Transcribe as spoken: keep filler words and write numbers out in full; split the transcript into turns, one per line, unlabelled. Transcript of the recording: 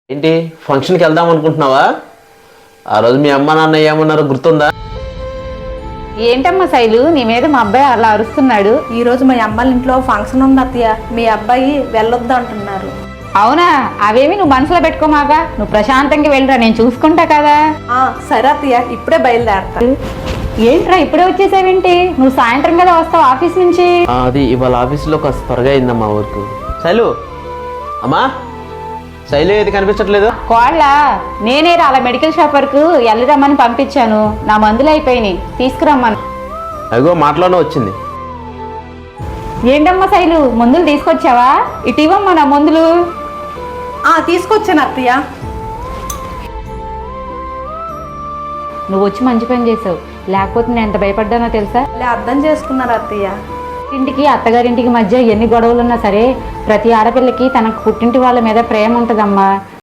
ఏంటి ఫంక్షన్కి వెళ్దాం అనుకుంటున్నావా? ఆ రోజు మీ అమ్మ నాన్న ఏమన్నారో గుర్తుందా?
ఏంటమ్మా శైలు, నీ మీద మా అబ్బాయి అలా అరుస్తున్నాడు?
ఈ రోజు మా అమ్మాళ్ళ ఇంట్లో ఫంక్షన్ ఉంది అత్తయ్య, మీ అబ్బాయి వెళ్ళొద్దు అంటున్నారు.
అవునా? అవేమి నువ్వు మనసులో పెట్టుకోమాగా, నువ్వు ప్రశాంతంగా వెళ్ళరా, నేను చూసుకుంటా కదా.
ఆ సరే అత్తయ్య, ఇప్పుడే బయలుదేరతా.
ఏంట్రా ఇప్పుడే వచ్చేసావేంటి? నువ్వు సాయంత్రం కదా వస్తావు ఆఫీస్ నుంచి.
ఆ, అది ఇవాళ ఆఫీసులో కాస్త త్వరగా అయిందమ్మా ఊరికి. శైలు, అమ్మా శైలు ఏది కనిపించట్లేదు?
కోళ్ళ నేనే రా అలా మెడికల్ షాప్ వరకు వెళ్ళరమ్మని పంపించాను, నా మందులు అయిపోయినాయి, తీసుకురమ్మను.
అగో మాటలోనే వచ్చింది.
ఏంటమ్మా శైలు, మందులు తీసుకొచ్చావా? ఇటు ఇవ్వమ్మా నా మందులు.
ఆ తీసుకొచ్చాను అత్తయ్య.
నువ్వు వచ్చి మంచి పని చేసావు, లేకపోతే నేను ఎంత భయపడ్డానో తెలుసా?
ఇలా అర్థం చేసుకున్నారు అత్తయ్య.
ఇంటికి అత్తగారింటికి మధ్య ఎన్ని గొడవలున్నా సరే ప్రతి ఆడపిల్లకి తనకు పుట్టింటి వాళ్ళ మీద ప్రేమ ఉంటుందమ్మా.